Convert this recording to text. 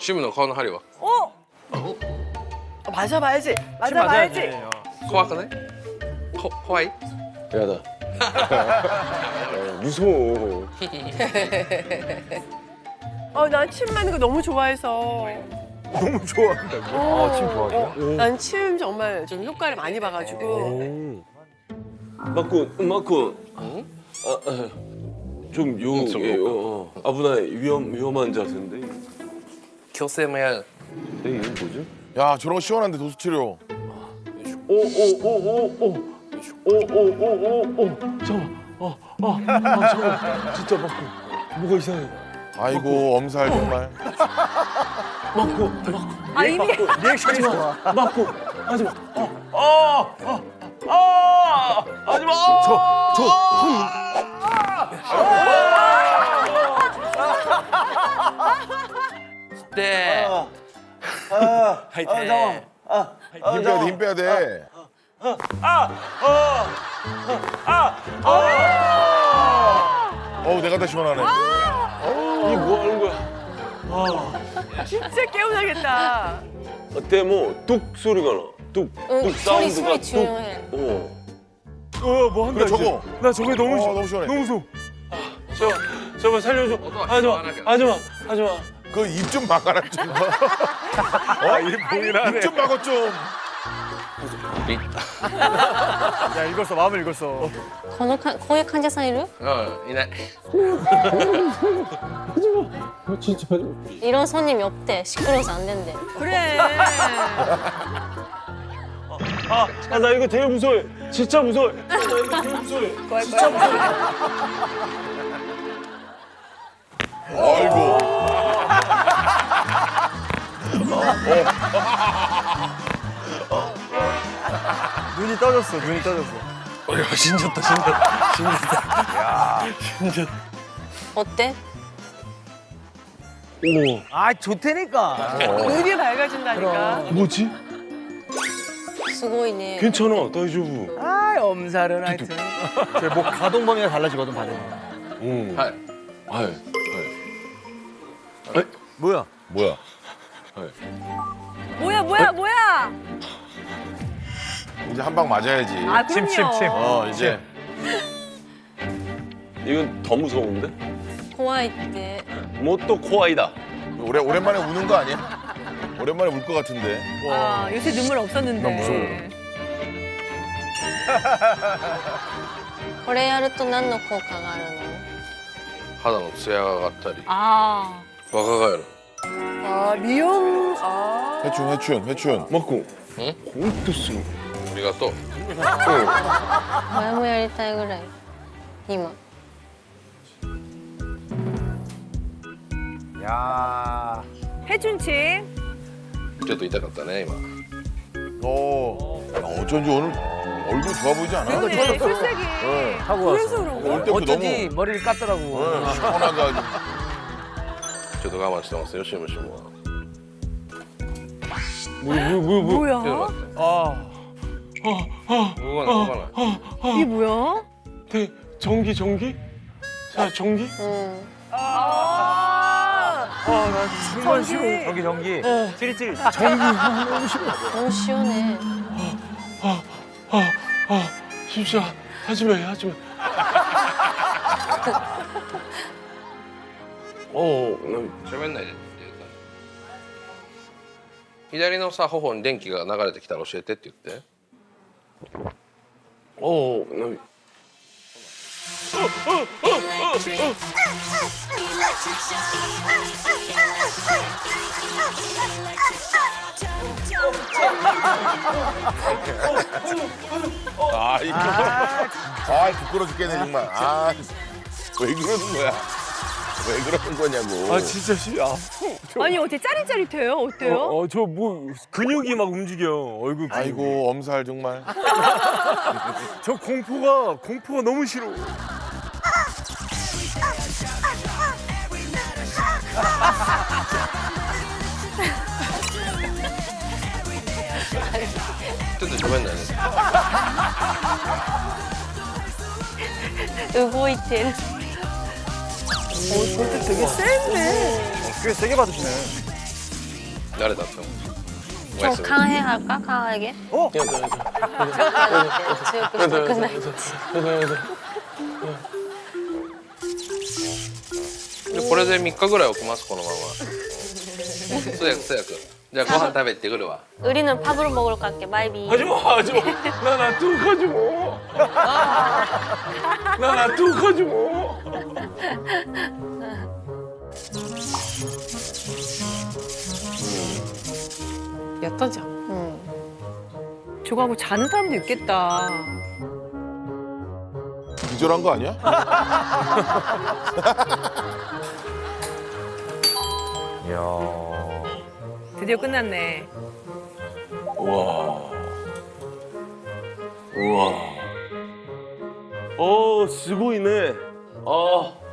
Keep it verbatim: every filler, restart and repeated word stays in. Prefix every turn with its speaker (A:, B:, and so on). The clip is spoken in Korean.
A: シムの顔の針は
B: 어? 어, 맞아봐야지. 맞아봐야지.
A: 怖くないこ怖い
C: 야다. 무서워.
B: 어, 난 침 맞는 거 너무 좋아해서.
D: 너무 좋아한다고.
B: 어,
D: 아, 침 좋아하세요?
B: 어, 난 침 정말 좀 효과를 많이 봐가지고.
C: 맞고 맞고. 어? 아, 아, 좀 요,
A: 응, 좀
C: 예, 어, 어. 아부나 위험 위험한 자세인데.
A: 矯正もやる
C: 네, 이게 뭐죠?
E: 야 저런 거 시원한데 도수치료.
C: 오오오오오오오오오오 잠깐. 아, 아, 아, 잠깐. 진짜 맞고. 뭐가 이상해.
E: 아이고 엄살 정말.
C: 맞고, 맞고.
B: 아, 이미.
D: 리액션이 좋아.
C: 맞고. 하지 마. 아, 아, 아, 아, 하지 마. 저, 저,
A: 네.
C: 하이팅. 아,
E: 힘 빼야 돼, 힘 빼야 돼. 어우 내가 더 시원하네.
C: 이게 뭐 하는 거야?
B: 진짜 깨우나겠다.
C: 어때 뭐뚝 소리가 나. 뚝,
F: 응,
C: 뚝
F: 소리
C: 사운드가
F: 소리
C: 뚝.
F: 중요해.
C: 어.
D: 어, 뭐 한다
E: 그래,
D: 이제.
E: 저거.
D: 나 저게 너무
E: 어,
D: 싫어.
E: 너무 시원해.
D: 너무 무서워.
C: 저, 저거 살려줘. 하지 마, 하지 마, 하지 마.
E: 그 입 좀 막아라 좀.
D: 아, 이 봉인하네.
E: 입 좀 막아 좀.
D: 야, 읽었어. 마음을 읽었어.
F: このかこういう患者さんいる
A: うんいない
F: 이런 손님이 없대. 시끄러워서 안 된대.
B: 그래.
C: 아, 아, 나 이거 되게 무서워해. 진짜 무서워해. 나 이거 되게 무서워해. 진짜 무서워해.
E: 아이고.
D: 눈이 떠졌어. 눈이 떠졌어.
A: 俺は死んじゃった死んじゃった死んじゃった死んじゃった
F: 어때?
C: 어머,
D: 아, 좋다니까.
B: 눈이 밝아진다니까.
C: 뭐지?
F: すごいね.
C: 괜찮아, 다이조부.
D: 아, 엄살은 하여튼. 뭐 가동 범위가 달라지거든, 반응.
C: 응.
A: はい
C: 아이, 아이.
D: 뭐야?
E: 뭐야?
B: 뭐야, 뭐야, 뭐야.
E: 이제 한 방 맞아야지.
B: 아, 그럼요.
D: 침, 침, 침.
E: 어 이제.
C: 이건 더 무서운데?
F: 怖いって.
C: 뭐 또 코아이다.
E: 오래 오랜만에 우는 거 아니야? 오랜만에 울 것 같은데.
B: 아, 요새 눈물 없었는데.
E: 난 무서워.
F: これやると何の効果があるの?
A: 肌のツヤが上がったり
B: 아.
A: 若返る
B: 아, 미용. 아.
E: 회춘 회춘 회춘.
C: 맞고.
A: 응?
C: 공도 쓰고.
A: ありがとう
F: 前もやりたいぐらい.今.
D: 야.
B: 해준침.
A: ちょっと痛かったね今
E: 어. 야, 어쩐지 오늘 얼굴 좋아 보이지 않아?
B: 그러네, 술색이.
D: 하고
B: 그래서
D: 왔어.
B: 그런
E: 올
B: 거.
E: 때부터
D: 어쩐지 머리를 깠더라고.
E: 너무 어, 시원하게 아주.
A: ちょっと我慢してますよシムシムは
C: 뭐야, 뭐야, 뭐야.
B: 뭐야?
D: 아.
A: 動かない動かない
B: 이게 뭐야?
C: 대, 전기, 전기? 자, 전기?
F: 응.
B: 아.
D: 아, 나 정말
B: 전기.
D: 싫어. 전기, 전기. 찌릿찌릿.
F: 너무 시원해.
C: 아, 아, 아, 진짜 하지 마, 하지 마. 어, 나
A: 喋んないでって言った左のさ頬に電気が流れてきたら教えてって言って
C: 어, 나
E: 아 이거. 아 부끄러 죽겠네 정말. 아 왜 그러는 거야? 왜 그러는 거냐고.
D: 아, 진짜 싫어.
B: 아니, 어떻게 짜릿짜릿해요? 어때요?
D: 어, 어, 저 뭐 근육이 막 움직여. 얼굴. 근육이.
E: 아이고 엄살 정말.
D: 저 공포가 공포가 너무 싫어.
A: 근데 좀 했네.
F: 動いてる.
B: 오, 저것도 되게 센데.
D: 꽤 세게 받으시네.
A: 誰だったの？
F: 좀 강하게 할까? 강하게?
D: 어?
F: 強くしたくない。
A: でこれでみっかぐらい置きますこのまま。そうやくそうやく。じゃあご飯食べてくるわ。
F: 우리는 밥으로 먹으러 갈게. 바이비.
C: 하지 마, 하지 마. 나나 뚝 하지 마. 나나 뚝 하지 마.
B: 얕다지.
F: 응.
B: 저거 하고 자는 사람도 있겠다.
E: 기절한 거 아니야?
B: 드디어 끝났네.
C: 우와. 우와. 어, すごいね. 아.